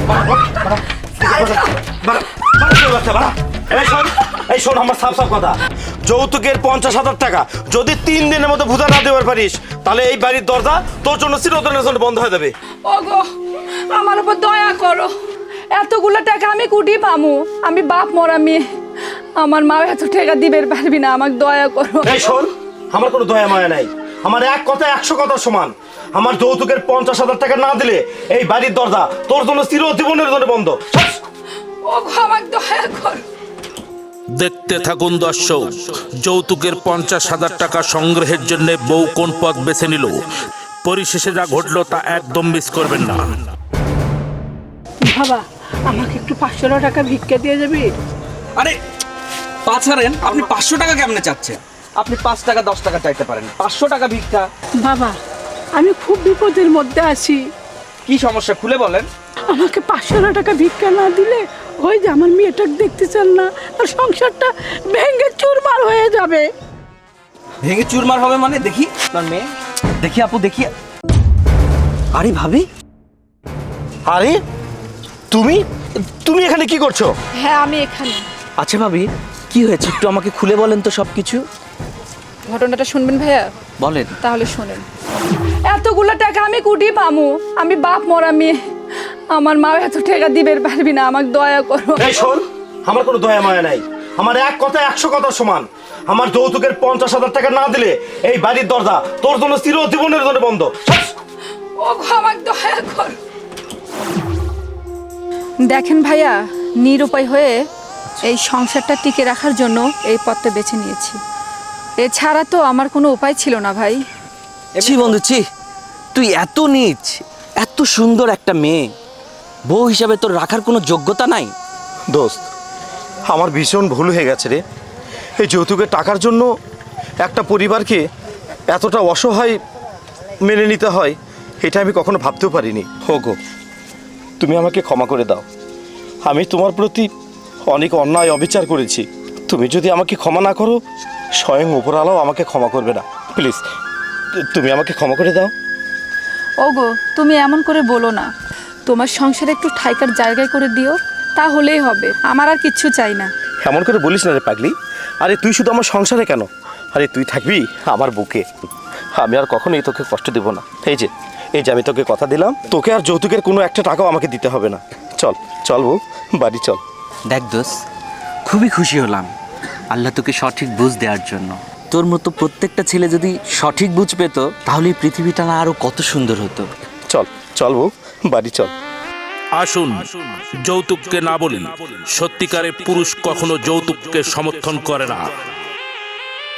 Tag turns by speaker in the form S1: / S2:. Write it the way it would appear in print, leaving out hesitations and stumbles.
S1: এই শোন আমার সাফ সাফ কথা, যৌতুকের 50,000 টাকা যদি 3 দিনের মধ্যে ভুজা না দেওয়ার পারিস তাহলে এই বাড়ির দরজা তোর জন্য চিরদিনের জন্য বন্ধ হয়ে যাবে।
S2: ওগো আমার উপর দয়া করো, এতগুলো টাকা আমি কুটি পামু? আমি বাপ মরা মেয়ে, আমার মা এত টাকা দিবে পারবি না, আমাকে দয়া করো।
S1: এই শোন, আমার কোনো দয়া মায়া নাই, আমার এক কথা 100 কথার সমান। আমার যৌতুকের 50,000 টাকা না দিলে এই বাড়ির দরজা তোর জন্য চিরজীবনের জন্য বন্ধ।
S2: ওগো আমাকে দয়া করো।
S3: দেখতে থাকুন দর্শক, যৌতুকের 50,000 টাকা সংগ্রহের জন্য বউ কোন পথ বেছে নিল, পরিশেষে যা ঘটলো তা একদম মিস করবেন না।
S2: বাবা আমাকে একটু 500 টাকা ভিক্ষা দিয়ে যাবি?
S4: আরে পাছারেন, আপনি 500 টাকা কেমনে চাচ্ছেন? আপনি 5 টাকা 10 টাকা চাইতে পারেন, 500 টাকা ভিক্ষা?
S2: বাবা আমি খুব বিপদের মধ্যে আছি,
S4: কি সমস্যা খুলে বলেন।
S2: আমাকে 500 টাকা ভিক্ষা না দিলে ওই যে আমার মেয়েটাকে দেখতেছেন না, আর সংসারটা ভেঙে চুরমার হয়ে যাবে।
S4: ভেঙে চুরমার হবে মানে? দেখি আপনার মেয়ে, দেখি আপু দেখি। আরে ভাবি,
S1: আরে তুমি তুমি এখানে কি করছো?
S2: হ্যাঁ আমি এখানে।
S4: আচ্ছা ভাবি কি হয়েছে একটু আমাকে খুলে বলেন তো সবকিছু।
S2: ঘটনাটা শুনবেন ভাইয়া?
S4: বলেন।
S2: তাহলে শোনেন, এতগুলো টাকা আমি কুটি পামু? আমি বাপ মরা মেয়ে, আমার মা এত টাকা দিবে পারবি না, আমাকে দয়া করো।
S1: এই শোন, আমার কোনো দয়া মায়া নাই, আমার এক কথা 100 কথার সমান। আমার যৌতুকের 50,000 টাকা না দিলে এই বাড়ির দরজা তোর জন্য চিরজীবনের জন্য বন্ধ।
S2: ওগো আমাকে দয়া করো। দেখেন ভাইয়া, নিরুপায় হয়ে এই সংসারটা টিকে রাখার জন্য এই পথটা বেছে নিয়েছি, এছাড়া তো আমার কোনো উপায় ছিল না ভাই।
S4: ছি বন্ধু ছি, তুই এত নীচ, এত সুন্দর একটা মেয়ে বউ হিসাবে তোর রাখার কোনো যোগ্যতা নাই।
S1: দোস্ত, আমার ভীষণ ভুল হয়ে গেছে রে। এই যৌতুকের টাকার জন্য একটা পরিবারকে এতটা অসহায় মেনে নিতে হয়, এটা আমি কখনো ভাবতেও পারিনি। হোগো, তুমি আমাকে ক্ষমা করে দাও, আমি তোমার প্রতি অনেক অন্যায় অবিচার করেছি। তুমি যদি আমাকে ক্ষমা না করো, স্বয়ং উপরওয়ালাও আমাকে ক্ষমা করবে না। প্লিজ তুমি আমাকে ক্ষমা করে দাও।
S2: ওগো তুমি এমন করে বলো না, তোমার সংসারে একটু ঠাইকার জায়গায় করে দিও, তাহলেই হবে, আমার আর কিচ্ছু চাই না।
S1: এমন করে বলিস না রে পাগলি। আরে তুই শুধু আমার সংসারে কেন, আরে তুই থাকবি আমার বুকে। আমি আর কখনোই তোকে কষ্ট দেব না। এই যে আমি তোকে কথা দিলাম, তোকে আর যৌতুকের কোনো একটা টাকাও আমাকে দিতে হবে না। চল চল বউ, বাড়ি চল।
S5: দেখ দোস্ত, খুবই খুশি হলাম আল্লাহ তোকে সঠিক বুঝ দেওয়ার জন্য। তোর মতো প্রত্যেকটা ছেলে যদি সঠিক বুঝ পেত তাহলে এই পৃথিবীটা না আরো কত সুন্দর হতো।
S1: চল চল বউ, বাড়ি চল।
S3: আসুন যৌতুককে না বলি, সত্যিকারের পুরুষ কখনো যৌতুককে সমর্থন করে না।